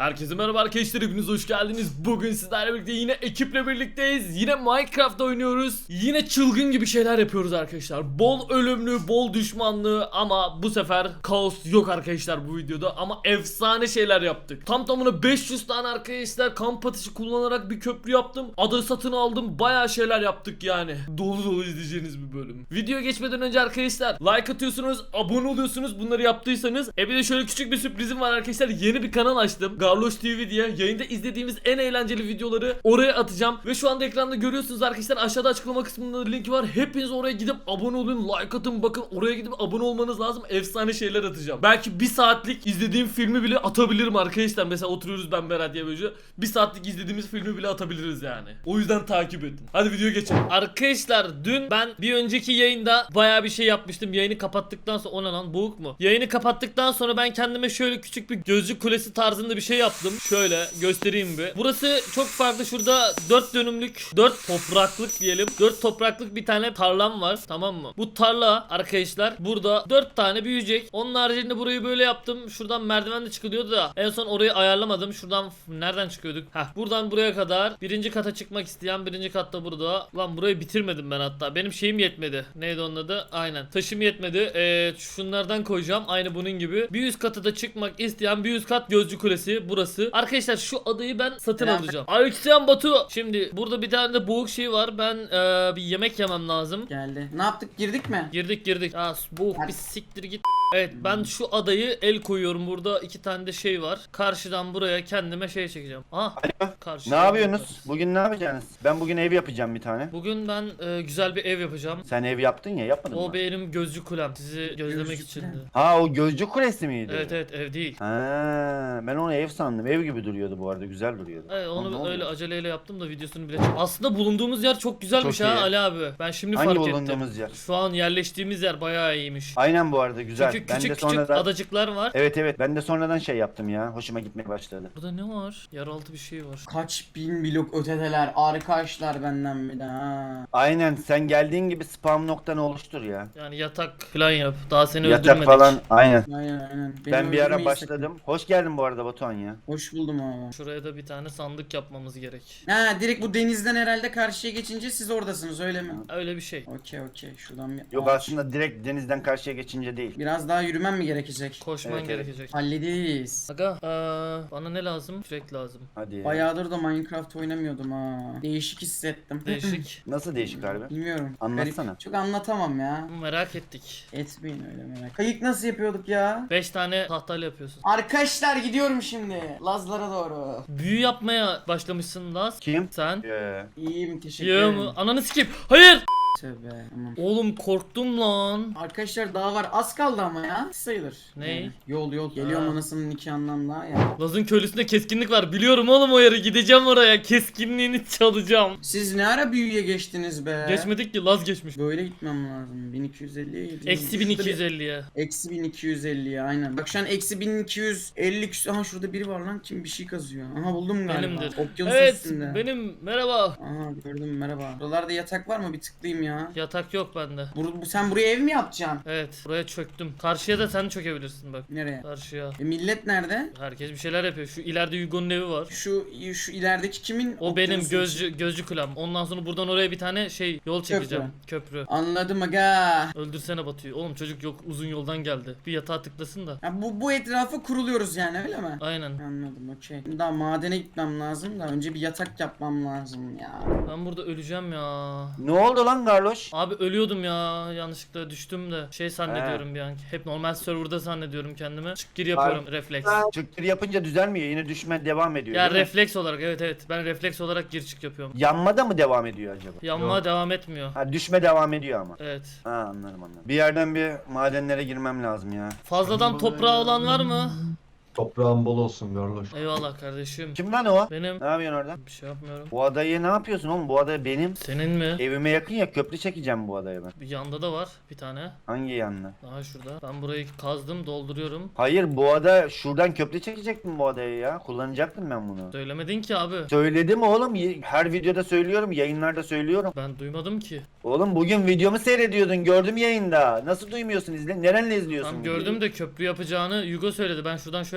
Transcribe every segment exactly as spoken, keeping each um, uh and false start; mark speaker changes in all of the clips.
Speaker 1: Herkese merhaba arkadaşlar, hepiniz hoş geldiniz. Bugün sizlerle birlikte yine ekiple birlikteyiz. Yine Minecraft oynuyoruz. Yine çılgın gibi şeyler yapıyoruz arkadaşlar. Bol ölümlü, bol düşmanlı ama bu sefer kaos yok arkadaşlar bu videoda. Ama efsane şeyler yaptık. Tam tamına beş yüz tane arkadaşlar kamp ateşi kullanarak bir köprü yaptım. Ada satın aldım. Bayağı şeyler yaptık yani. Dolu dolu izleyeceğiniz bir bölüm. Videoya geçmeden önce arkadaşlar like atıyorsunuz, abone oluyorsunuz bunları yaptıysanız. E bir de şöyle küçük bir sürprizim var arkadaşlar. Yeni bir kanal açtım. Garloş T V diye. Yayında izlediğimiz en eğlenceli videoları oraya atacağım. Ve şu anda ekranda görüyorsunuz arkadaşlar. Aşağıda açıklama kısmında linki var. Hepiniz oraya gidip abone olun. Like atın. Bakın oraya gidip abone olmanız lazım. Efsane şeyler atacağım. Belki bir saatlik izlediğim filmi bile atabilirim arkadaşlar. Mesela oturuyoruz ben Berat diye böyle. Bir saatlik izlediğimiz filmi bile atabiliriz yani. O yüzden takip edin. Hadi videoya geçelim. Arkadaşlar dün ben bir önceki yayında bayağı bir şey yapmıştım. Yayını kapattıktan sonra o ne lan, boğuk mu? Yayını kapattıktan sonra ben kendime şöyle küçük bir gözlük kulesi tarzında bir şey yaptım. Şöyle göstereyim bir. Burası çok farklı. Şurada dört dönümlük, dört topraklık diyelim. dört topraklık bir tane tarlam var. Tamam mı? Bu tarla arkadaşlar burada dört tane büyüyecek. Onun haricinde burayı böyle yaptım. Şuradan merdiven de çıkılıyordu da en son orayı ayarlamadım. Şuradan nereden çıkıyorduk? Heh, buradan buraya kadar. Birinci kata çıkmak isteyen birinci katta burada. Lan burayı bitirmedim ben hatta. Benim şeyim yetmedi. Neydi onun adı? Aynen. Taşım yetmedi. Ee, şunlardan koyacağım. Aynı bunun gibi. Bir üst kata da çıkmak isteyen bir üst kat gözcü kulesi burası. Arkadaşlar şu adayı ben satın
Speaker 2: Selam.
Speaker 1: alacağım. Aleykümselam Batu. Şimdi burada bir tane de boğuk şey var. Ben ee, bir yemek yemem lazım.
Speaker 2: Geldi. Ne yaptık? Girdik mi?
Speaker 1: Girdik girdik. Aa, boğuk
Speaker 2: Hadi.
Speaker 1: bir siktir git. Evet, ben şu adayı el koyuyorum. Burada iki tane de şey var. Karşıdan buraya kendime şey çekeceğim. Aha.
Speaker 3: Alo.
Speaker 1: Karşıdan
Speaker 3: Ne yapıyorsunuz?
Speaker 1: yaparız.
Speaker 3: Bugün ne yapacaksınız? Ben bugün ev yapacağım bir tane.
Speaker 1: Bugün ben e, güzel bir ev yapacağım.
Speaker 3: Sen ev yaptın ya, yapmadın
Speaker 1: O
Speaker 3: mı?
Speaker 1: benim gözcü kulem. Sizi gözlemek
Speaker 2: Gözcü
Speaker 1: içindi.
Speaker 2: kulem.
Speaker 3: Ha, o gözcü kulesi miydi?
Speaker 1: Evet evet, ev değil.
Speaker 3: Ha, ben onu ev sandım. Ev gibi duruyordu bu arada, güzel duruyordu.
Speaker 1: Evet,
Speaker 3: Lan ne
Speaker 1: onu
Speaker 3: oldu?
Speaker 1: öyle aceleyle yaptım da videosunu bile çek. Aslında bulunduğumuz yer çok güzelmiş
Speaker 3: Çok
Speaker 1: ha
Speaker 3: iyi.
Speaker 1: Ali abi. Ben şimdi
Speaker 3: Hangi
Speaker 1: fark
Speaker 3: bulunduğumuz
Speaker 1: ettim.
Speaker 3: yer?
Speaker 1: Şu an yerleştiğimiz yer bayağı iyiymiş.
Speaker 3: Aynen, bu arada güzel.
Speaker 1: Çünkü
Speaker 3: ben
Speaker 1: küçük
Speaker 3: de
Speaker 1: küçük
Speaker 3: sonradan...
Speaker 1: adacıklar var.
Speaker 3: Evet evet, ben de sonradan şey yaptım ya. Hoşuma gitmeye başladı.
Speaker 1: Burada ne var? Yeraltı bir şey var.
Speaker 2: Kaç bin blok ötedeler. Arkadaşlar benden bir de ha.
Speaker 3: Aynen, sen geldiğin gibi spam noktanı oluştur ya.
Speaker 1: Yani yatak falan yap. Daha seni
Speaker 3: Yatak
Speaker 1: öldürmedik.
Speaker 3: falan, aynen.
Speaker 2: Aynen aynen. Beni
Speaker 3: Ben bir ara
Speaker 2: öldürmeyi
Speaker 3: başladım. Hoş geldin bu arada Batuhan ya.
Speaker 2: sakın. Hoş buldum abi.
Speaker 1: Şuraya da bir tane sandık yapmamız gerek.
Speaker 2: Ha, direkt bu denizden herhalde karşıya geçince siz oradasınız öyle mi?
Speaker 1: Öyle bir şey.
Speaker 2: Okey okey. Şuradan bir
Speaker 3: Yok,
Speaker 2: ağaç.
Speaker 3: aslında direkt denizden karşıya geçince değil.
Speaker 2: Biraz daha yürümem mi gerekecek?
Speaker 1: Koşman
Speaker 3: Evet, evet.
Speaker 1: gerekecek.
Speaker 2: Hallederiz.
Speaker 1: Aga eee, bana ne lazım? Kürek lazım.
Speaker 3: Hadi.
Speaker 2: Bayağıdır da Minecraft oynamıyordum ha. Değişik hissettim.
Speaker 1: Değişik.
Speaker 3: Nasıl değişik harbi?
Speaker 2: Bilmiyorum.
Speaker 3: Anlatsana.
Speaker 2: Garip. Çok anlatamam ya.
Speaker 1: Merak ettik.
Speaker 2: Etmeyin öyle merak. Kayık nasıl yapıyorduk ya?
Speaker 1: beş tane tahtayla yapıyorsun.
Speaker 2: Arkadaşlar gidiyorum şimdi. Lazlara doğru.
Speaker 1: Büyü yapmaya başlamışsın Laz.
Speaker 3: Kim?
Speaker 1: Sen?
Speaker 3: Ee,
Speaker 2: İyiyim teşekkür
Speaker 1: Yo
Speaker 2: ederim.
Speaker 1: mu? Ananı sikeyim. Hayır.
Speaker 2: Tövbe aman.
Speaker 1: Oğlum korktum lan.
Speaker 2: Arkadaşlar daha var az kaldı ama ya sayılır.
Speaker 1: Ne?
Speaker 2: Yani yol yol geliyorum
Speaker 1: Ha.
Speaker 2: anasının nikahından daha ya.
Speaker 1: Laz'ın köylüsünde keskinlik var. Biliyorum oğlum o yeri. Gideceğim oraya. Keskinliğini çalacağım.
Speaker 2: Siz ne ara büyüye geçtiniz be?
Speaker 1: Geçmedik ki, Laz geçmiş.
Speaker 2: Böyle gitmem lazım. bin iki yüz elliye gidiyorum.
Speaker 1: Eksi bin iki yüz elliye.
Speaker 2: Eksi bin iki yüz elliye aynen. Bak şu an eksi bin iki yüz elli küsur. Aha şurada biri var lan, kim bir şey kazıyor. Aha buldum galiba.
Speaker 1: Benimdir.
Speaker 2: Okyanus
Speaker 1: Evet
Speaker 2: üstünde.
Speaker 1: benim, merhaba.
Speaker 2: Aha gördüm merhaba. Buralarda yatak var mı? Bir tıklayayım ya.
Speaker 1: Yatak yok bende.
Speaker 2: Bur bu, sen buraya ev mi yapacaksın?
Speaker 1: Evet, buraya çöktüm. Karşıya da sen çökebilirsin bak.
Speaker 2: Nereye?
Speaker 1: Karşıya.
Speaker 2: E, millet nerede?
Speaker 1: Herkes bir şeyler yapıyor. Şu ileride Hugo'nun evi var.
Speaker 2: Şu şu ilerideki kimin?
Speaker 1: O benim
Speaker 2: Okyanusun
Speaker 1: gözcü gözcü kulem. Ondan sonra buradan oraya bir tane şey yol çekeceğim. Köprü.
Speaker 2: Anladım aga.
Speaker 1: Öldürsene Batu'yu. Oğlum çocuk yok, uzun yoldan geldi. Bir yatağa tıklasın da.
Speaker 2: Ya bu bu etrafa kuruluyoruz yani öyle mi?
Speaker 1: Aynen.
Speaker 2: Anladım okey. Daha madene gitmem lazım da önce bir yatak yapmam lazım ya.
Speaker 1: Ben burada öleceğim ya.
Speaker 3: ne oldu lan Garloş?
Speaker 1: Abi ölüyordum ya. Yanlışlıkla düştüm de. Şey zannediyorum bir an. Hep normal serverda zannediyorum kendimi. Çık gir yapıyorum. Refleks.
Speaker 3: Çıktır yapınca düzelmiyor. Yine düşme devam ediyor.
Speaker 1: Ya
Speaker 3: değil mi?
Speaker 1: refleks olarak, evet evet. Ben refleks olarak gir çık yapıyorum.
Speaker 3: Yanma da mı devam ediyor acaba?
Speaker 1: Yanma
Speaker 3: Yok.
Speaker 1: devam etmiyor.
Speaker 3: Ha, düşme devam ediyor ama.
Speaker 1: Evet.
Speaker 3: Ha, anladım anladım. Bir yerden bir madenlere girmem lazım ya.
Speaker 1: Fazladan toprağı olan var mı?
Speaker 4: Toprağın bol olsun Garloş.
Speaker 1: Eyvallah kardeşim.
Speaker 3: Kim lan o?
Speaker 1: Benim.
Speaker 3: Ne yapıyorsun orada?
Speaker 1: Bir şey yapmıyorum.
Speaker 3: Bu adayı ne yapıyorsun oğlum? Bu ada benim.
Speaker 1: Senin mi?
Speaker 3: Evime yakın ya, köprü çekeceğim bu adaya ben.
Speaker 1: Bir yanda da var bir tane.
Speaker 3: Hangi yanına?
Speaker 1: Daha şurada. Ben burayı kazdım, dolduruyorum.
Speaker 3: Hayır, bu ada şuradan köprü çekecektim bu adayı ya. Kullanacaktım ben bunu.
Speaker 1: Söylemedin ki abi.
Speaker 3: Söyledim oğlum. y- Her videoda söylüyorum. Yayınlarda söylüyorum.
Speaker 1: Ben duymadım ki.
Speaker 3: Oğlum bugün videomu seyrediyordun. Gördüm yayında. Nasıl duymuyorsun? İzle. Nerenle izliyorsun?
Speaker 1: Tam
Speaker 3: videoyu?
Speaker 1: gördüm de köprü yapacağını Hugo söyledi. Ben şuradan şöyle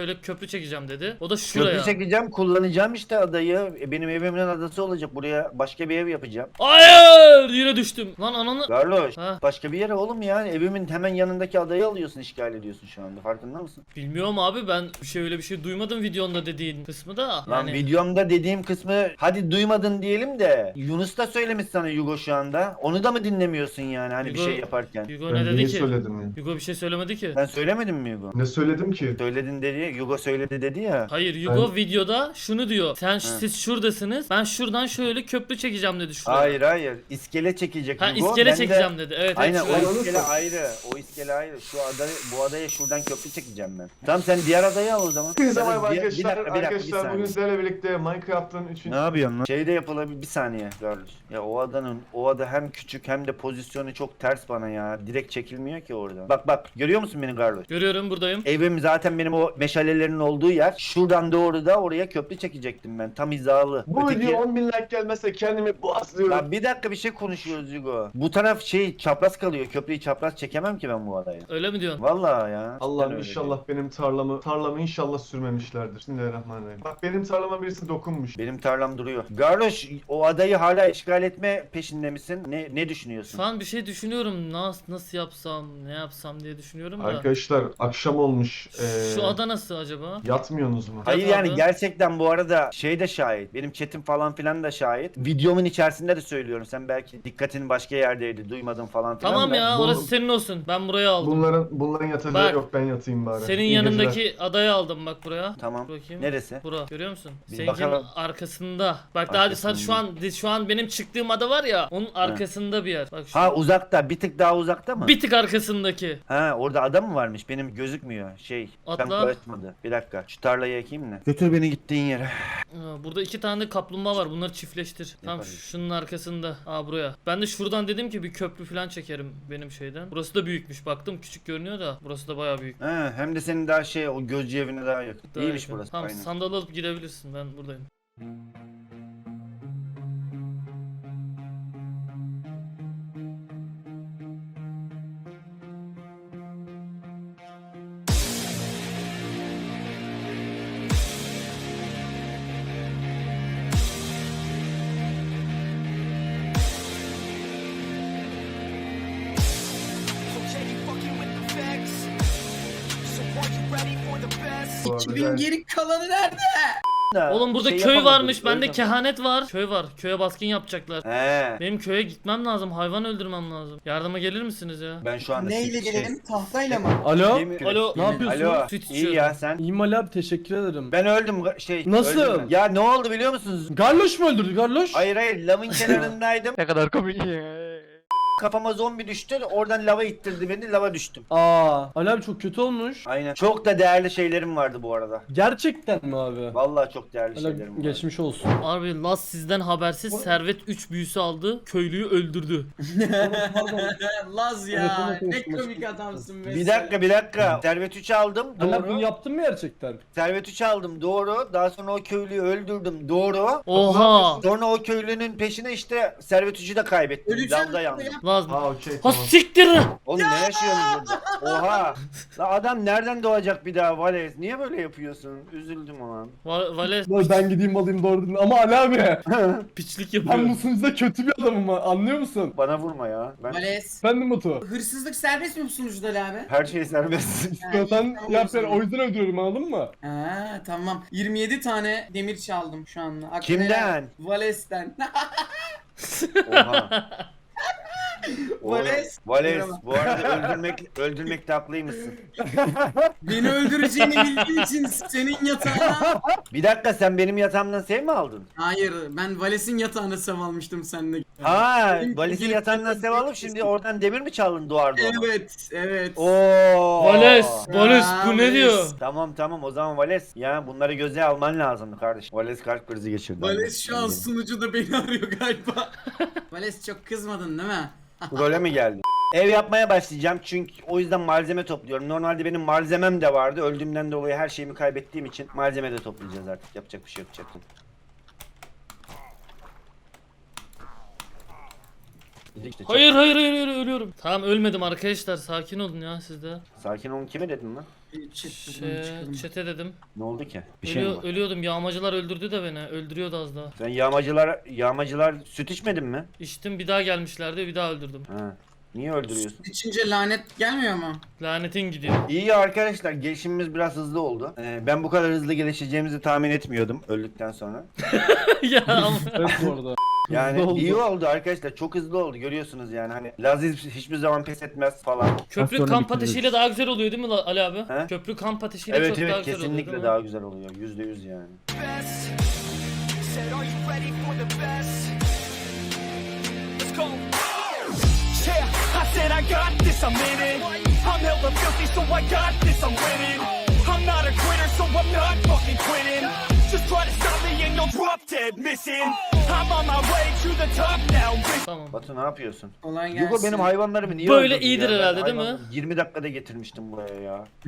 Speaker 1: şöyle köprü çekeceğim dedi. O da şuraya.
Speaker 3: Köprü çekeceğim, kullanacağım işte adayı. E, Benim evimin adası olacak. Buraya başka bir ev yapacağım.
Speaker 1: Hayır! Yine düştüm. Lan ananı.
Speaker 3: Garloş,
Speaker 1: Ha.
Speaker 3: başka bir yere oğlum yani. Evimin hemen yanındaki adayı alıyorsun, işgal ediyorsun şu anda. Farkında mısın?
Speaker 1: Bilmiyorum abi, ben bir şey öyle bir şey duymadım videonda dediğin kısmı da.
Speaker 3: Lan
Speaker 1: Yani
Speaker 3: videomda dediğim kısmı hadi duymadın diyelim de Yunus da söylemiş sana Yugo şu anda. Onu da mı dinlemiyorsun yani hani bir
Speaker 1: Yugo-
Speaker 3: şey yaparken?
Speaker 1: Hugo
Speaker 4: Ben
Speaker 1: ne dedi
Speaker 4: neyi
Speaker 1: ki?
Speaker 4: söyledim ya?
Speaker 1: Hugo bir şey söylemedi ki.
Speaker 3: Ben söylemedim mi Yugo?
Speaker 4: Ne söyledim ki?
Speaker 3: Söyledin dedi, Yugo söyledi dedi ya.
Speaker 1: Hayır, Hugo videoda şunu diyor. Sen siz şuradasınız. Ben şuradan şöyle köprü çekeceğim dedi şuraya.
Speaker 3: Hayır hayır, iskele çekecek
Speaker 1: Ha
Speaker 3: Yugo.
Speaker 1: iskele
Speaker 3: Ben de-
Speaker 1: çekeceğim dedi. Evet,
Speaker 3: Aynen
Speaker 1: evet. şuraya.
Speaker 3: o iskele ayrı. O iskele ayrı. Şu adayı, bu adaya şuradan köprü çekeceğim ben. Tamam sen diğer adayı al o zaman.
Speaker 4: Herkese
Speaker 3: Ya da
Speaker 4: merhaba
Speaker 3: diğer- bir
Speaker 4: arkadaşlar.
Speaker 3: dakika, bir dakika, bir
Speaker 4: Arkadaşlar
Speaker 3: saniye.
Speaker 4: bugün sizlerle birlikte Minecraft'ın üçüncü
Speaker 3: Ne yapıyorsun lan? Şeyde yapılabilir bir saniye Garloş. Ya o adanın o ada hem küçük hem de pozisyonu çok ters bana ya. Direkt çekilmiyor ki orada. Bak bak görüyor musun beni Garloş?
Speaker 1: Görüyorum, buradayım.
Speaker 3: Evim zaten benim o meşalelerin olduğu yer. Şuradan doğru da oraya köprü çekecektim ben. Tam hizalı.
Speaker 4: Bu
Speaker 3: Öteki-
Speaker 4: video on bin like gelmezse kendimi boğazlıyorum.
Speaker 3: Lan bir dakika bir şey konuşuyoruz Hugo. Bu taraf şey çapraz kalıyor. Köprüyü çapraz çekemem ki ben bu adaya.
Speaker 1: Öyle mi diyorsun?
Speaker 3: Vallahi ya.
Speaker 4: Allah'ım
Speaker 3: Ben öyle
Speaker 4: inşallah benim tarlamı tarlamı inşallah sürmemişlerdir. Bismillahirrahmanirrahim. Bak benim tarlama birisi dokunmuş.
Speaker 3: Benim tarlam duruyor. Garloş o adayı hala işgal etme peşinde misin? Ne ne düşünüyorsun?
Speaker 1: Şu an bir şey düşünüyorum. Nasıl nasıl yapsam, ne yapsam diye düşünüyorum da.
Speaker 4: Arkadaşlar akşam olmuş. Ee,
Speaker 1: Şu ada nasıl acaba?
Speaker 4: Yatmıyorsunuz mu?
Speaker 3: Hayır
Speaker 1: Yok
Speaker 3: yani
Speaker 1: abi.
Speaker 3: gerçekten bu arada şey de şahit. Benim chatim falan filan da şahit. Videomun içerisinde de söylüyorum. Sen belki dikkatin başka yerdeydi. Duymadın falan filan
Speaker 1: Tamam
Speaker 3: da.
Speaker 1: ya,
Speaker 4: bu-
Speaker 1: orası senin olsun. Ben burayı aldım.
Speaker 4: Bunların bunların yatacağı
Speaker 1: Bak,
Speaker 4: yok, ben yatayım bari.
Speaker 1: Senin
Speaker 4: İyi
Speaker 1: yanındaki
Speaker 4: geceler.
Speaker 1: adayı aldım bak buraya.
Speaker 3: Tamam.
Speaker 1: Bakayım.
Speaker 3: Neresi?
Speaker 1: Bura. Görüyor musun?
Speaker 3: Bir
Speaker 1: Seninkinin
Speaker 3: bakalım.
Speaker 1: arkasında. Bak daha hadi
Speaker 3: Arkasında.
Speaker 1: şu an şu an benim çıktığım ada var ya, onun arkasında bir yer. Bak şu.
Speaker 3: Ha uzakta. Bir tık daha uzakta mı?
Speaker 1: Bir tık arkasındaki.
Speaker 3: Ha orada adam mı varmış? Benim gözükmüyor. Şey.
Speaker 1: Atla.
Speaker 3: Tam karışmadı. Bir dakika. Şu tarlayı ekeyim mi? Götür beni gittiğin yere.
Speaker 1: Aa, burada iki tane de kaplumbağa var. Bunları çiftleştir. Tam
Speaker 3: Yaparız.
Speaker 1: şunun arkasında. Aa buraya. Ben de şuradan dedim ki bir köprü falan çekerim benim şeyden. Burası da büyükmüş. Baktım küçük görünüyor da burası da bayağı büyük.
Speaker 3: Ha, hem de senin daha şey o gözcü evine daha yakın.
Speaker 1: Daha
Speaker 3: İyiymiş
Speaker 1: yakın.
Speaker 3: burası.
Speaker 1: Tamam,
Speaker 3: Aynen.
Speaker 1: sandal alıp gidebilirsin. Ben buradayım.
Speaker 5: Okay, you fucking with the facts. So are you ready for the best?
Speaker 4: Bu arada
Speaker 2: iki bin
Speaker 4: ben-
Speaker 2: geri kalanı nerede?
Speaker 3: Da
Speaker 1: Oğlum burada
Speaker 3: şey
Speaker 1: köy
Speaker 3: yapamadım,
Speaker 1: varmış. Bende
Speaker 3: öldüm.
Speaker 1: kehanet var. Köy var. Köye baskın yapacaklar.
Speaker 3: He.
Speaker 1: Benim köye gitmem lazım. Hayvan öldürmem lazım. Yardıma gelir misiniz ya?
Speaker 3: Ben şu anda
Speaker 2: Neyle
Speaker 3: şey-
Speaker 2: gelelim? Tahtayla mı?
Speaker 6: Alo.
Speaker 3: Yemin-
Speaker 1: Alo.
Speaker 6: Ne yapıyorsun?
Speaker 3: Alo.
Speaker 1: Süt
Speaker 3: İyi
Speaker 1: içiyorum.
Speaker 3: ya sen.
Speaker 6: İyiyim Ali abi, teşekkür ederim.
Speaker 3: Ben öldüm ga- şey.
Speaker 6: Nasıl?
Speaker 3: öldüm ben. Ya ne oldu biliyor musunuz?
Speaker 6: Garloş mu öldürdü Garloş?
Speaker 3: Hayır hayır lavın kenarındaydım.
Speaker 6: Ne kadar komik.
Speaker 3: Kafama zombi düştü. Oradan lava ittirdi beni. Lava düştüm.
Speaker 6: Aa, Ali abi çok kötü olmuş.
Speaker 3: Aynen. Çok da değerli şeylerim vardı bu arada.
Speaker 6: Gerçekten mi abi?
Speaker 3: Vallahi çok değerli
Speaker 6: Ali
Speaker 3: şeylerim
Speaker 6: abi
Speaker 3: vardı.
Speaker 6: geçmiş olsun.
Speaker 1: Abi Laz sizden habersiz Servet üç büyüsü aldı. Köylüyü öldürdü.
Speaker 2: Laz ya.
Speaker 6: Telefonla
Speaker 2: Ne
Speaker 6: konuşması.
Speaker 2: komik adamsın be.
Speaker 3: Bir dakika bir dakika. Servet üç aldım.
Speaker 6: Ali abi bunu
Speaker 3: Doğru.
Speaker 6: yaptın mı gerçekten?
Speaker 3: Servet üç aldım. Doğru. Daha sonra o köylüyü öldürdüm. Doğru.
Speaker 1: Oha.
Speaker 3: Sonra o köylünün peşine işte Servet üçü de kaybettim.
Speaker 2: Öleceğim
Speaker 3: Lavda yandım.
Speaker 1: Laz.
Speaker 4: Ha okey
Speaker 1: Ha
Speaker 4: tamam.
Speaker 1: siktir.
Speaker 3: Oğlum ne yaşıyorsunuz burada? Oha. La adam nereden doğacak bir daha Vales? Niye böyle yapıyorsun? Üzüldüm o an.
Speaker 1: Va- Vales
Speaker 6: Dur ben gideyim alayım doğru dedin. Ama Ali abi
Speaker 1: piçlik
Speaker 6: ben
Speaker 1: yapıyor.
Speaker 6: bu sunucuda kötü bir adamım ha, anlıyor musun?
Speaker 3: Bana vurma ya. Ben
Speaker 2: Vales.
Speaker 6: Efendim Batu.
Speaker 2: Hırsızlık serbest mi bu sunucuda Ali abi?
Speaker 3: her şey serbest.
Speaker 6: İstiyorsan
Speaker 2: tamam,
Speaker 6: yap, ben
Speaker 2: tamam.
Speaker 6: o yüzden öldürüyorum, anladın mı?
Speaker 2: Ha tamam. yirmi yedi tane demir çaldım şu anda. Aklına
Speaker 3: Kimden?
Speaker 2: helal. Vales'ten.
Speaker 3: Oha. Oğlum,
Speaker 2: Vales.
Speaker 3: Vales.
Speaker 2: Merhaba.
Speaker 3: Bu arada öldürmek öldürmekte haklıymışsın.
Speaker 2: Beni öldüreceğini bildiğin için senin yatağına...
Speaker 3: Bir dakika sen benim yatağımdan sev mi aldın?
Speaker 2: Hayır, ben Vales'in yatağına sev almıştım seninle.
Speaker 3: Ha,
Speaker 2: Benim-
Speaker 3: Vales'in
Speaker 2: benim-
Speaker 3: yatağından sev alıp şimdi oradan demir mi çaldın duvar duvar?
Speaker 2: Evet, evet.
Speaker 3: Oo.
Speaker 1: Vales. Vales bu
Speaker 2: Aa,
Speaker 1: ne diyor?
Speaker 2: Vales.
Speaker 3: Tamam tamam o zaman Vales. Ya bunları göze alman lazımdı kardeşim. Vales kalp krizi geçirdi.
Speaker 2: Vales şu an
Speaker 3: Ben-
Speaker 2: sunucuda beni arıyor galiba. Vales çok kızmadın değil mi?
Speaker 3: Role mi geldin? Ev yapmaya başlayacağım çünkü o yüzden malzeme topluyorum. Normalde benim malzemem de vardı. Öldüğümden dolayı her şeyimi kaybettiğim için malzeme de toplayacağız artık. Yapacak bir şey yok çakın. İşte çak-
Speaker 1: Hayır hayır hayır hayır, ölüyorum. Tamam ölmedim arkadaşlar, sakin olun ya siz de.
Speaker 3: Sakin olun kime dedim lan?
Speaker 2: Bir chat buradan
Speaker 1: Şey,
Speaker 2: çıkalım.
Speaker 1: çete dedim.
Speaker 3: Ne oldu ki? Bir şey mi
Speaker 1: Ölüyor,
Speaker 3: var?
Speaker 1: ölüyordum. Yağmacılar öldürdü de beni. Öldürüyordu az daha.
Speaker 3: Sen yağmacılar, yağmacılar süt içmedin mi?
Speaker 1: İçtim, bir daha gelmişlerdi, bir daha öldürdüm.
Speaker 3: Ha. Niye öldürüyorsun?
Speaker 2: İçince lanet gelmiyor mu?
Speaker 1: Lanetin gidiyor.
Speaker 3: İyi arkadaşlar, gelişimimiz biraz hızlı oldu. Ee, ben bu kadar hızlı gelişeceğimizi tahmin etmiyordum öldükten sonra.
Speaker 1: Ya ama.
Speaker 6: Evet bu arada.
Speaker 3: Yani
Speaker 6: Hızlı oldu.
Speaker 3: iyi oldu arkadaşlar, çok hızlı oldu, görüyorsunuz yani hani Laziz hiçbir zaman pes etmez falan.
Speaker 1: Köprü
Speaker 6: sonra
Speaker 1: kamp
Speaker 6: bitiririz.
Speaker 1: ateşiyle daha güzel oluyor değil mi La- Ali abi?
Speaker 3: He?
Speaker 1: Köprü kamp ateşiyle
Speaker 3: Evet
Speaker 1: çok daha
Speaker 3: evet
Speaker 1: güzel oluyor
Speaker 3: kesinlikle
Speaker 1: değil mi?
Speaker 3: daha güzel oluyor, yüzde yüz yani.
Speaker 5: best. Said, are you ready for the best? Let's go. Yeah, I said I got this, I'm in it. I'm hella filthy, so I got this, I'm winning. I'm not a quitter, so I'm not fucking quitting. Just try to stop me and you'll drop dead missing. I'm on my way to the top now.
Speaker 1: Tamam.
Speaker 3: Batu ne yapıyorsun?
Speaker 2: Kolay gelsin.
Speaker 3: Yugo benim hayvanlarımı niye
Speaker 1: Böyle
Speaker 3: öldürdü
Speaker 1: iyidir
Speaker 3: ya? Ben
Speaker 1: herhalde, değil mi?
Speaker 3: hayvanları yirmi dakikada getirmiştim buraya ya.
Speaker 5: I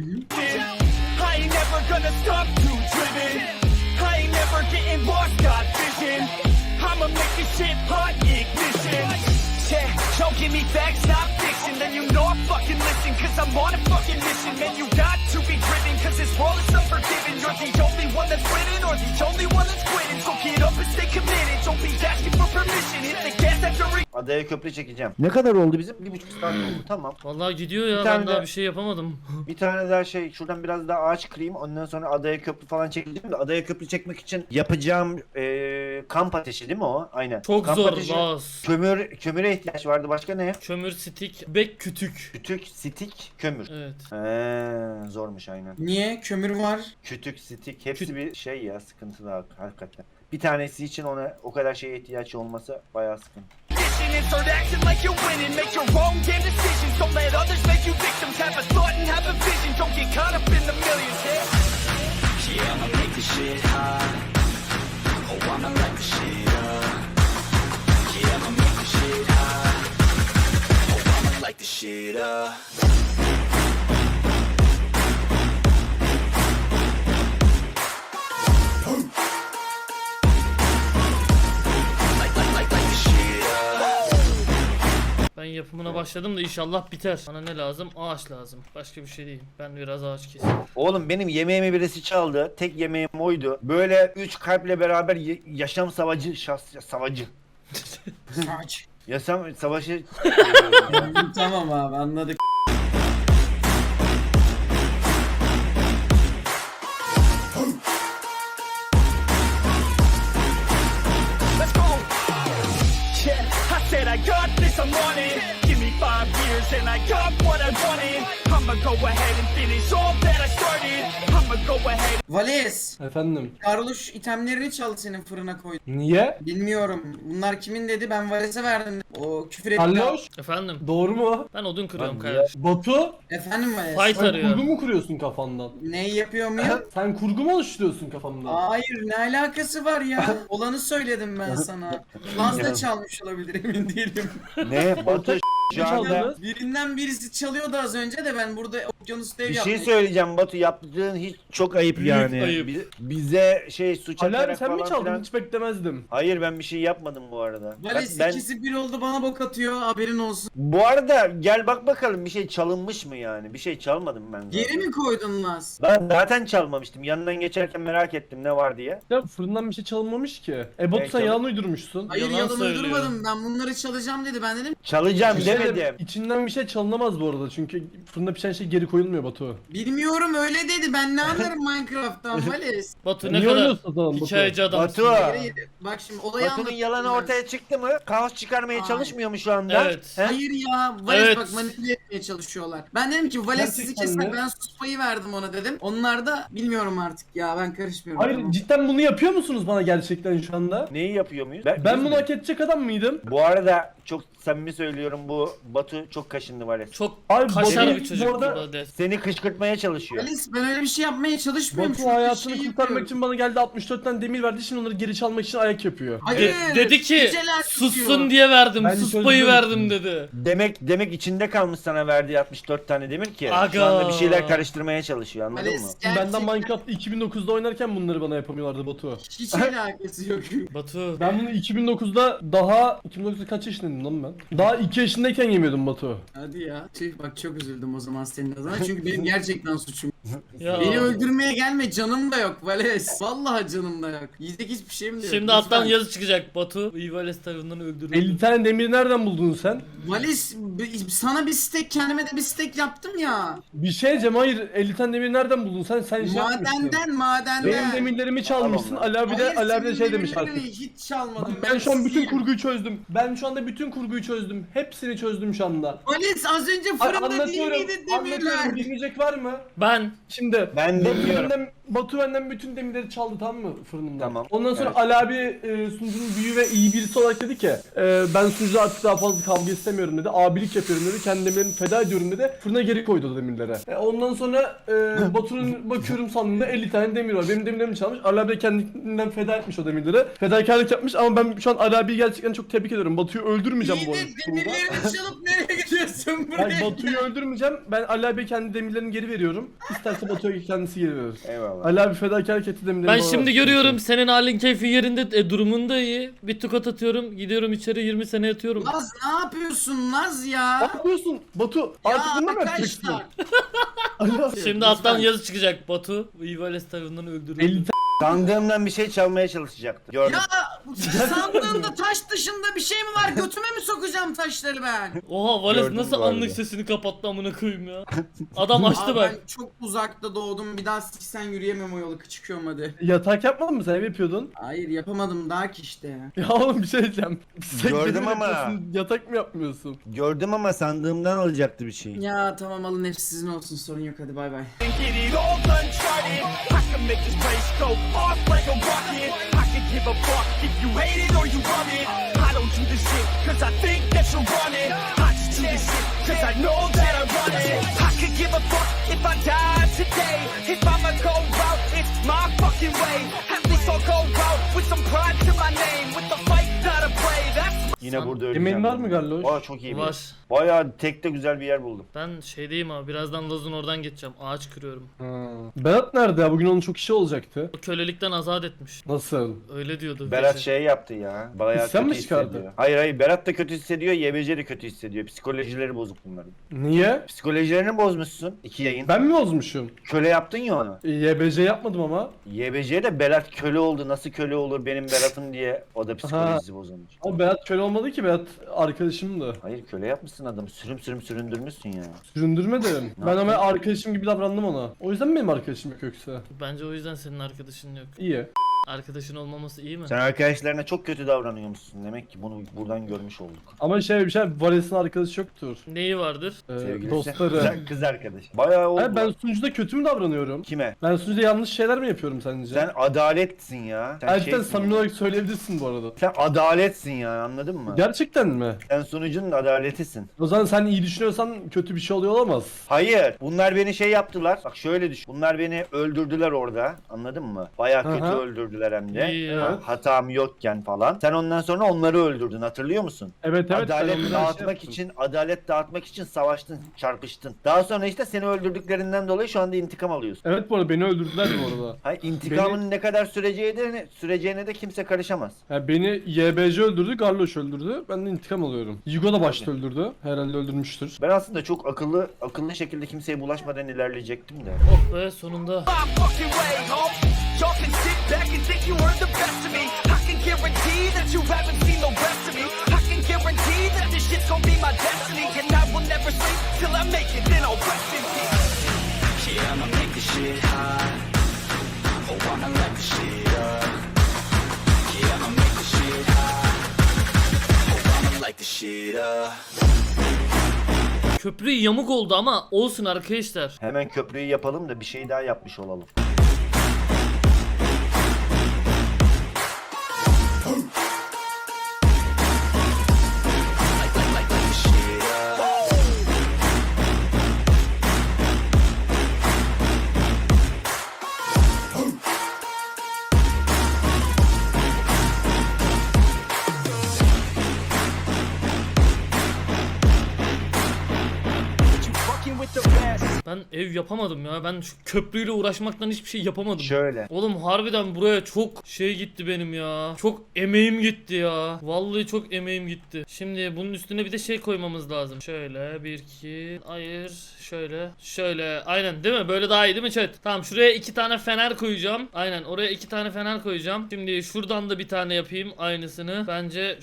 Speaker 5: ain't never gonna stop too driven. I ain't never getting lost, got vision. I'ma make this shit hot ignition. Yeah, don't give me facts, not fiction. Then you know I fucking listen, cause I'm on a fucking mission. Man, you got to be driven, cause this world is unforgiving. You're the only one that's winning, or the only one that's quitting. So get up and stay committed, don't be asking for permission. Hit the gas after re-
Speaker 3: Adaya köprü çekeceğim. Ne kadar oldu bizim? Bir buçuk saat oldu, tamam.
Speaker 1: Vallahi gidiyor ya,
Speaker 3: Bir
Speaker 1: ben
Speaker 3: tane
Speaker 1: daha
Speaker 3: de-
Speaker 1: bir şey yapamadım.
Speaker 3: Bir tane daha şey, şuradan biraz daha ağaç kırayım, ondan sonra adaya köprü falan çekeceğim de adaya köprü çekmek için yapacağım eee, kamp ateşi değil mi o? Aynen.
Speaker 1: Çok
Speaker 3: kamp
Speaker 1: zor
Speaker 3: ateşi,
Speaker 1: Laz.
Speaker 3: Kömür, kömüre ihtiyaç vardı, başka ne?
Speaker 1: Kömür, stik, bek, kütük.
Speaker 3: Kütük, stik, kömür.
Speaker 1: Evet.
Speaker 3: Eee zormuş aynen.
Speaker 2: Niye? Kömür var.
Speaker 3: Kütük, stik hepsi
Speaker 1: Küt-
Speaker 3: bir şey ya, sıkıntılı hak- hakikaten. Bir tanesi için ona o kadar şeye ihtiyaç olması bayağı sıkıntı.
Speaker 5: mission and start acting like you're winning. Make your own damn decisions. Don't let others make you victims. Have a thought and have a vision. Don't get caught up in the millions. Yeah, yeah I'ma make this shit hot. Oh, I'ma light the shit up. Yeah, I'ma make this shit hot. Oh, I'ma light the shit up. Light, light, light, light the shit up.
Speaker 1: Ben yapımına başladım da inşallah biter. Bana ne lazım? Ağaç lazım. Başka bir şey değil. Ben biraz ağaç keseyim.
Speaker 3: Oğlum benim yemeğimi birisi çaldı. Tek yemeğim oydu. Böyle üç kalple beraber ye- yaşam savacı, şahs savacı.
Speaker 2: Aç.
Speaker 3: Yaşam savaşı.
Speaker 2: Tamam abi anladık.
Speaker 5: Let's go. Yeah, I said I got this, I'm on it. Give me five years and I got what I wanted. I'ma go ahead and finish all that I started. I'ma go ahead.
Speaker 2: Vales.
Speaker 6: Efendim.
Speaker 2: Karluş itemlerini çaldı senin fırına koydu.
Speaker 6: Niye?
Speaker 2: Bilmiyorum. Bunlar kimin dedi, ben Vales'e verdim. O küfür etti.
Speaker 6: Carlos.
Speaker 1: Efendim?
Speaker 6: Doğru mu?
Speaker 1: Ben odun kırıyorum
Speaker 3: Lan
Speaker 1: kardeşim.
Speaker 6: Batu.
Speaker 2: Efendim Vales.
Speaker 1: Fight
Speaker 6: Sen
Speaker 1: arıyor.
Speaker 6: kurgu mu kuruyorsun kafandan?
Speaker 2: Neyi yapıyor muyum?
Speaker 6: Sen kurgu mu oluşturuyorsun kafandan?
Speaker 2: Hayır, ne alakası var ya? Olanı söyledim ben sana. Fazla çalmış olabilir, emin değilim.
Speaker 3: Ne? Batu şu
Speaker 6: Ne
Speaker 3: anda
Speaker 6: çaldınız?
Speaker 2: Birinden birisi çalıyordu az önce de ben burada okyanus dev
Speaker 3: bir
Speaker 2: yaptım.
Speaker 3: şey söyleyeceğim Batu, yaptığın hiç çok ayıp
Speaker 1: Büyük
Speaker 3: yani.
Speaker 1: ayıp.
Speaker 3: Bi- Bize şey suç
Speaker 6: Ali abi
Speaker 3: atarak
Speaker 6: sen mi
Speaker 3: falan
Speaker 6: çaldın?
Speaker 3: filan.
Speaker 6: Hiç beklemezdim.
Speaker 3: Hayır ben bir şey yapmadım bu arada.
Speaker 2: Vales
Speaker 3: ben,
Speaker 2: ikisi bir oldu, bana bok atıyor, haberin olsun.
Speaker 3: bu arada gel bak bakalım bir şey çalınmış mı yani? Bir şey çalmadım ben zaten.
Speaker 2: Geri mi koydun Laz?
Speaker 3: Ben zaten çalmamıştım. Yanından geçerken merak ettim ne var diye.
Speaker 6: Ya fırından bir şey çalınmamış ki. E Batu
Speaker 3: Ben
Speaker 6: sen
Speaker 3: çal-
Speaker 6: yalan uydurmuşsun.
Speaker 2: Hayır,
Speaker 1: Yalan
Speaker 2: yalan
Speaker 1: söylüyor.
Speaker 2: uydurmadım, ben bunları çalacağım dedi, ben dedim
Speaker 3: Çalacağım
Speaker 6: Bir şey
Speaker 3: demedim.
Speaker 6: de- İçinden bir şey çalınamaz bu arada çünkü fırında pişen şey geri koyulmuyor Batu.
Speaker 2: bilmiyorum öyle dedi, ben ne anlarım Minecraft'tan Vales.
Speaker 1: Batu ne
Speaker 6: Niye
Speaker 1: kadar
Speaker 6: oynuyorsun o zaman Batu?
Speaker 1: hikayeci adamsın.
Speaker 3: Batu.
Speaker 2: Hayır, bak şimdi olayı
Speaker 3: Batu'nun
Speaker 2: anlatayım
Speaker 3: yalanı
Speaker 2: ben.
Speaker 3: ortaya çıktı mı? Kaos çıkarmaya
Speaker 2: Hayır.
Speaker 3: çalışmıyor mu şu anda?
Speaker 1: Evet.
Speaker 3: He?
Speaker 2: Hayır ya, Vales
Speaker 1: Evet.
Speaker 2: bak manipüle etmeye çalışıyorlar. Ben dedim ki Vales sizi
Speaker 6: Gerçekten
Speaker 2: keser,
Speaker 6: mi?
Speaker 2: ben sus payı verdim ona dedim. Onlar da bilmiyorum artık ya, ben karışmıyorum.
Speaker 6: Hayır
Speaker 2: Tamam.
Speaker 6: cidden bunu yapıyor musunuz bana gerçekten şu anda?
Speaker 3: Neyi yapıyor muyuz?
Speaker 6: Ben
Speaker 3: biz
Speaker 6: bunu
Speaker 3: mi?
Speaker 6: hak edecek adam mıydım?
Speaker 3: Bu arada çok samimi söylüyorum, bu Batu çok kaşındı var ya.
Speaker 1: Çok
Speaker 6: Abi
Speaker 1: kaşar
Speaker 6: Batu
Speaker 1: bir çocuk
Speaker 6: bu arada
Speaker 1: bu des.
Speaker 3: Seni kışkırtmaya çalışıyor.
Speaker 2: Vales ben öyle bir şey yapmaya çalışmıyorum.
Speaker 6: Batu
Speaker 2: Şurada
Speaker 6: hayatını
Speaker 2: şey
Speaker 6: kurtarmak
Speaker 2: yapıyorum.
Speaker 6: için bana geldi altmış dört tane demir verdi şimdi onları geri çalmak için ayak yapıyor.
Speaker 2: Hayır.
Speaker 1: De- dedi ki
Speaker 2: geceler
Speaker 1: sussun
Speaker 2: tutuyor.
Speaker 1: diye verdim.
Speaker 6: Ben
Speaker 1: Sus
Speaker 6: çözdüm.
Speaker 1: payı verdim dedi.
Speaker 3: Demek demek içinde kalmış sana verdiği altmış dört tane demir ki.
Speaker 1: Aga.
Speaker 3: Şu anda bir şeyler karıştırmaya çalışıyor, anladın mı?
Speaker 2: Vales
Speaker 6: Benden
Speaker 2: gerçekten
Speaker 6: Minecraft iki bin dokuzda oynarken bunları bana yapamıyorlardı Batu.
Speaker 2: hiç alakası yok.
Speaker 1: Batu.
Speaker 6: Ben bunu iki bin dokuzda daha iki bin dokuzda kaç yaşındaydım lan ben? Daha iki yaşındayken yemiyordum Batu.
Speaker 2: Hadi ya. Tüh bak, çok üzüldüm o zaman senin adına çünkü benim gerçekten suçum.
Speaker 1: Ya.
Speaker 2: Beni öldürmeye gelme, canım da yok Vales. Vallahi canım da yok. Yiyecek hiçbir şeyim de yok.
Speaker 1: Şimdi alttan yazı çıkacak. Batu Ivales tarafından öldürüldü.
Speaker 6: elli tane demiri nereden buldun sen?
Speaker 2: Vales, b- sana bir steak, kendime de bir steak yaptım ya.
Speaker 6: Bir şey diyeceğim, hayır, elli tane demiri nereden buldun sen? Sen şey yapmışsın.
Speaker 2: Madenden, madenden.
Speaker 6: Benim demirlerimi çalmışsın. Ali abi de,
Speaker 2: Hayır,
Speaker 6: Ali abi de
Speaker 2: senin
Speaker 6: şey demiş
Speaker 2: demirlerini
Speaker 6: artık.
Speaker 2: hiç çalmadım.
Speaker 6: Ben şu an bütün
Speaker 2: siziyim.
Speaker 6: kurguyu çözdüm. Ben şu anda bütün kurguyu çözdüm. Hepsini çözdüm şu anda.
Speaker 2: Vales az önce
Speaker 6: Ay,
Speaker 2: fırında değil
Speaker 6: anlatıyorum,
Speaker 2: miydi
Speaker 6: anlatıyorum.
Speaker 2: demirler?
Speaker 6: Bilmeyecek var mı?
Speaker 1: Ben
Speaker 6: Şimdi
Speaker 3: Ben
Speaker 6: Batu
Speaker 3: dinliyorum.
Speaker 6: benden, Batu benden bütün demirleri çaldı, tamam mı, fırınımdan?
Speaker 3: Tamam,
Speaker 6: Ondan sonra
Speaker 3: evet.
Speaker 6: Ali abi e, sunucunun büyüğü ve iyi birisi olarak dedi ki e, ben sunucuda artık daha fazla kavga istemiyorum dedi. Abilik yapıyorum dedi. Kendi demirlerimi feda ediyorum dedi. Fırına geri koydu o demirlere. E, ondan sonra e, Batu'nun bakıyorum sandığında elli tane demir var. Benim demirlerimi çalmış. Ali abi de kendinden feda etmiş o demirleri. Fedakarlık yapmış ama ben şu an Ali abiyi gerçekten çok tebrik ediyorum. Batu'yu öldürmeyeceğim
Speaker 2: İyi
Speaker 6: bu
Speaker 2: de
Speaker 6: arada.
Speaker 2: demirlerini çalıp nereye gidiyorsun buraya?
Speaker 6: Yani Batu'yu öldürmeyeceğim. Ben Ali abiye kendi demirlerini geri veriyorum. İsterse Batu'ya kendisi geri verir.
Speaker 3: Eyvallah.
Speaker 6: Ali abi fedakarlık etti demirleri.
Speaker 1: ben
Speaker 6: bana
Speaker 1: şimdi
Speaker 6: versin.
Speaker 1: görüyorum senin halin keyfin yerinde, e, durumun da iyi. Bir tukat atıyorum, gidiyorum içeri yirmi sene yatıyorum.
Speaker 2: Naz ne yapıyorsun Naz
Speaker 6: Ne
Speaker 2: ya?
Speaker 6: yapıyorsun Batu? Artık
Speaker 2: Ya
Speaker 6: bunu mu yapacaksın?
Speaker 2: arkadaşlar.
Speaker 6: Ali abi.
Speaker 1: Şimdi alttan yazı çıkacak. Batu Ivales tarafından öldürüldü.
Speaker 6: elli
Speaker 3: Sandığımdan bir şey çalmaya çalışacaktı. Gördüm.
Speaker 2: Ya sandığında taş dışında bir şey mi var? Götüme mi sokacağım taşları ben?
Speaker 1: Oha Vales
Speaker 3: Gördüm
Speaker 1: nasıl
Speaker 3: bu arada.
Speaker 1: anlık sesini kapattı amına koyayım ya. Adam açtı
Speaker 2: Abi
Speaker 1: bak.
Speaker 2: ben çok uzakta doğdum. Bir daha siksen yürüyemem o yolu. Çıkıyorum hadi.
Speaker 6: Yatak yapmadın mı sen? Ev yapıyordun.
Speaker 2: Hayır yapamadım daha ki işte ya.
Speaker 6: Ya oğlum bir şey diyeceğim. Sen
Speaker 3: Gördüm
Speaker 6: demir
Speaker 3: ama.
Speaker 6: yapıyorsun, yatak mı yapmıyorsun?
Speaker 3: Gördüm ama sandığımdan alacaktı bir şey.
Speaker 2: Ya tamam alın hepsi sizin olsun sorun yok hadi bay bay.
Speaker 5: and get it all uncharted. I can make this place go off like a rocket. I can give a fuck if you hate it or you love it. I don't do this shit cause I think that you're running. I just do this shit cause I know that I run it. I could give a fuck if I die today. If I'ma go out, it's my fucking way. At least I'll go out with some pride to my name. With the fight that I play, that's
Speaker 3: Yine burada öleceğim.
Speaker 6: Yemeğin var mı Galloş?
Speaker 3: Aa çok iyi bir yer.
Speaker 1: Var.
Speaker 3: Bayağı tekte güzel bir yer buldum.
Speaker 1: Ben şeydeyim abi, birazdan Laz'ın oradan geçeceğim. Ağaç kırıyorum.
Speaker 6: Ha. Berat nerede ya? Bugün onun çok işi olacaktı.
Speaker 1: O kölelikten azat etmiş.
Speaker 6: Nasıl?
Speaker 1: Öyle diyordu.
Speaker 3: Berat
Speaker 1: gece.
Speaker 3: şey yaptı ya. Bayağı
Speaker 6: İsyan
Speaker 3: kötü
Speaker 6: mı çıkardı?
Speaker 3: hissediyor. Hayır hayır Berat da kötü hissediyor. Y B C de kötü hissediyor. Psikolojileri bozuk bunların.
Speaker 6: Niye?
Speaker 3: Psikolojilerini bozmuşsun. İki yayın.
Speaker 6: Ben mi bozmuşum?
Speaker 3: Köle yaptın ya onu.
Speaker 6: E, Y B C yapmadım ama.
Speaker 3: Y B C'de Berat köle oldu. Nasıl köle olur benim Berat'ım diye. O da psikolojisi bozulmuş.
Speaker 6: Ama Berat köle olmadı ki, Berat arkadaşımdı.
Speaker 3: Hayır köle yapmışsın adamı. Sürüm sürüm süründürmüşsün ya.
Speaker 6: Süründürmedim. Ben
Speaker 3: yaptın?
Speaker 6: ama arkadaşım gibi davrandım ona. O yüzden mi benim arkadaşım yok yoksa?
Speaker 1: Bence o yüzden senin arkadaşın yok.
Speaker 6: İyi.
Speaker 1: Arkadaşın olmaması iyi mi?
Speaker 3: Sen arkadaşlarına çok kötü davranıyormuşsun. Demek ki bunu buradan görmüş olduk.
Speaker 6: Ama şey bir şey, Vales'in arkadaşı yoktur.
Speaker 1: Neyi vardır?
Speaker 6: Ee,
Speaker 3: Sevgilisi.
Speaker 6: dostları.
Speaker 3: Kız, kız arkadaş. Bayağı oldu.
Speaker 6: Hayır, ben sunucuda kötü mü davranıyorum?
Speaker 3: Kime?
Speaker 6: Ben sunucuda yanlış şeyler mi yapıyorum sence?
Speaker 3: Sen adaletsin ya. Sen
Speaker 6: Gerçekten
Speaker 3: şeysin
Speaker 6: samimi
Speaker 3: ya.
Speaker 6: olarak söyleyebilirsin bu arada.
Speaker 3: Sen adaletsin ya anladın mı?
Speaker 6: Gerçekten mi?
Speaker 3: Sen sunucunun adaletisin.
Speaker 6: O zaman sen iyi düşünüyorsan kötü bir şey oluyor olamaz.
Speaker 3: Hayır. Bunlar beni şey yaptılar. Bak şöyle düşün. Bunlar beni öldürdüler orada. Anladın mı? Bayağı kötü
Speaker 6: Aha.
Speaker 3: öldürdüler hem de.
Speaker 1: İyi ya.
Speaker 6: Evet.
Speaker 3: Hatam yokken falan. Sen ondan sonra onları öldürdün. Hatırlıyor musun?
Speaker 6: Evet evet. ben
Speaker 3: adalet
Speaker 6: ondan şey
Speaker 3: dağıtmak
Speaker 6: yaptım.
Speaker 3: için, adalet dağıtmak için savaştın, çarpıştın. Daha sonra işte seni öldürdüklerinden dolayı şu anda intikam alıyorsun.
Speaker 6: Evet bu arada beni öldürdüler bu arada.
Speaker 3: Hayır, intikamın ne kadar süreceğine, süreceğine de kimse karışamaz.
Speaker 6: Yani beni Y B C öldürdü, Garloş öldürdü. Ben de intikam alıyorum. Yugo da başta öldürdü. Herhalde öldürmüştür.
Speaker 3: Ben aslında çok akıllı, akıllı şekilde kimseye bulaşmadan ilerleyecektim de.
Speaker 1: Oh be sonunda.
Speaker 5: my fucking way, ho. Y'all can sit back and think you were the best of me. I can guarantee that you haven't seen the rest of me. I can guarantee that this shit's gonna be my destiny. And I will never sleep till I make it, then I'll rest in peace. Yeah, I'ma make this shit hot. Oh, I'ma light this shit up. Yeah, I'ma make this shit hot. Oh, I'ma light this shit up.
Speaker 1: Köprü yamuk oldu ama olsun arkadaşlar.
Speaker 3: Hemen köprüyü yapalım da bir şey daha yapmış olalım.
Speaker 5: Light, light, light, light this shit up. You fucking with the best.
Speaker 1: Ben ev yapamadım ya. Ben şu köprüyle uğraşmaktan hiçbir şey yapamadım.
Speaker 3: Şöyle.
Speaker 1: Oğlum harbiden buraya çok şey gitti benim ya. Çok emeğim gitti ya. Vallahi çok emeğim gitti. Şimdi bunun üstüne bir de şey koymamız lazım. Şöyle bir iki. Hayır. Şöyle. Şöyle. Aynen değil mi? Böyle daha iyi değil mi chat? Tamam şuraya iki tane fener koyacağım. Aynen oraya iki tane fener koyacağım. Şimdi şuradan da bir tane yapayım aynısını. Bence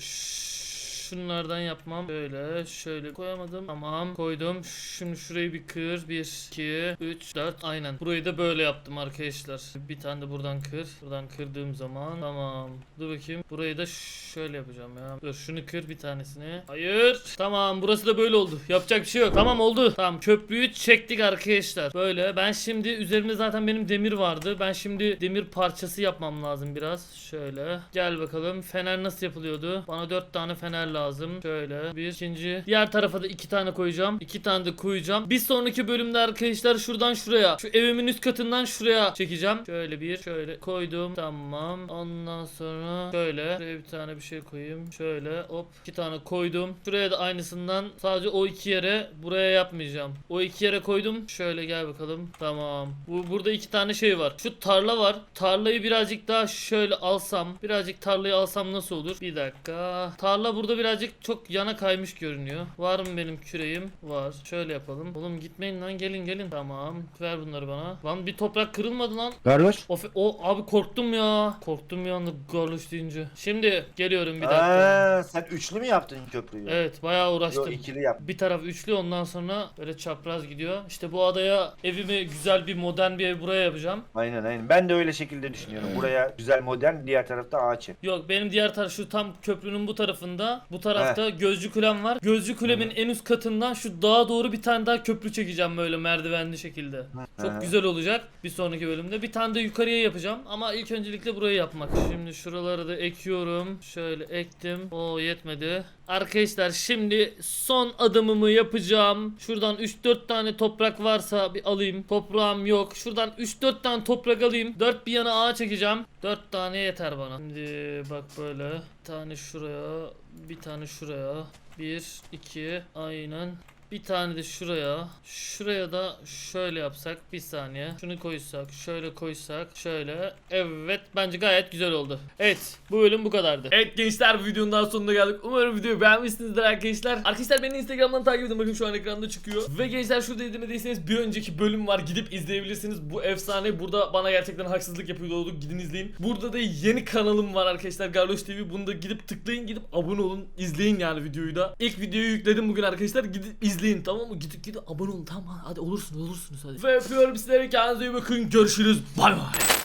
Speaker 1: şunlardan yapmam. Böyle şöyle koyamadım. Tamam koydum. Şimdi şurayı bir kır. bir, iki, üç, dört. Aynen. Burayı da böyle yaptım arkadaşlar. Bir tane de buradan kır. Buradan kırdığım zaman. Tamam. Dur bakayım. Burayı da şöyle yapacağım ya. Dur şunu kır bir tanesini. Hayır. Tamam burası da böyle oldu. Yapacak bir şey yok. Tamam oldu. Tamam köprüyü çektik arkadaşlar. Böyle. Ben şimdi üzerimde zaten benim demir vardı. Ben şimdi demir parçası yapmam lazım biraz. Şöyle. Gel bakalım. Fener nasıl yapılıyordu? Bana dört tane fener lazım. Şöyle bir ikinci. Diğer tarafa da iki tane koyacağım. iki tane de koyacağım. Bir sonraki bölümde arkadaşlar şuradan şuraya. Şu evimin üst katından şuraya çekeceğim. Şöyle bir şöyle koydum. Tamam. Ondan sonra şöyle. Şuraya bir tane bir şey koyayım. Şöyle hop. iki tane koydum. Şuraya da aynısından sadece o iki yere buraya yapmayacağım. O iki yere koydum. Şöyle gel bakalım. Tamam. Bu burada iki tane şey var. Şu tarla var. Tarlayı birazcık daha şöyle alsam. Birazcık tarlayı alsam nasıl olur? Bir dakika. Tarla burada birazcık çok yana kaymış görünüyor. Var mı benim küreğim? Var. Şöyle yapalım. Oğlum gitmeyin lan gelin gelin. Tamam. Ver bunları bana. Lan bir toprak kırılmadı lan.
Speaker 3: Garloş.
Speaker 1: Of o abi korktum ya. Korktum bir anda garloş deyince. Şimdi geliyorum bir dakika.
Speaker 3: Aa, sen üçlü mü yaptın köprüyü?
Speaker 1: Evet bayağı uğraştım.
Speaker 3: Yo, ikili yap.
Speaker 1: Bir taraf üçlü ondan sonra böyle çapraz gidiyor. İşte bu adaya evimi güzel bir modern bir ev buraya yapacağım.
Speaker 3: Aynen aynen. Ben de öyle şekilde düşünüyorum. Buraya güzel modern, diğer tarafta ağaç ev.
Speaker 1: Yok benim diğer taraf şu tam köprünün bu tarafında. Bu tarafta Gözcü Kulem var. Gözcü Kulem'in en üst katından şu dağa doğru bir tane daha köprü çekeceğim böyle merdivenli şekilde. Çok
Speaker 3: Hı.
Speaker 1: güzel olacak bir sonraki bölümde. Bir tane de yukarıya yapacağım ama ilk öncelikle burayı yapmak. Şimdi şuraları da ekiyorum. Şöyle ektim. O yetmedi. Arkadaşlar şimdi son adımımı yapacağım. Şuradan üç dört tane toprak varsa bir alayım. Toprağım yok. Şuradan üç dört tane toprak alayım. dört bir yana ağa çekeceğim. dört tane yeter bana. Şimdi bak böyle. Bir tane şuraya. Bir tane şuraya. bir, iki. Aynen. Bir tane de şuraya. Şuraya da şöyle yapsak. Bir saniye. Şunu koysak. Şöyle koysak. Şöyle. Evet. Bence gayet güzel oldu. Evet. Bu bölüm bu kadardı. Evet gençler bu videonun daha sonuna geldik. Umarım videoyu beğenmişsinizdir arkadaşlar. Arkadaşlar beni Instagram'dan takip edin. Bakın şu an ekranda çıkıyor. Ve gençler şurada izlemediyseniz bir önceki bölüm var. Gidip izleyebilirsiniz. Bu efsane. Burada bana gerçekten haksızlık yapıyordu. Gidin izleyin. Burada da yeni kanalım var arkadaşlar. Garloş T V. Bunu da gidip tıklayın. Gidip abone olun. İzleyin yani videoyu da. İlk videoyu yükledim bugün arkadaşlar. Gidip izleyin tamam mı? Gidip gidip abone olun tamam hadi olursunuz olursunuz hadi. Ve öpüyorum sizleri kendinize iyi bakın görüşürüz bay bay.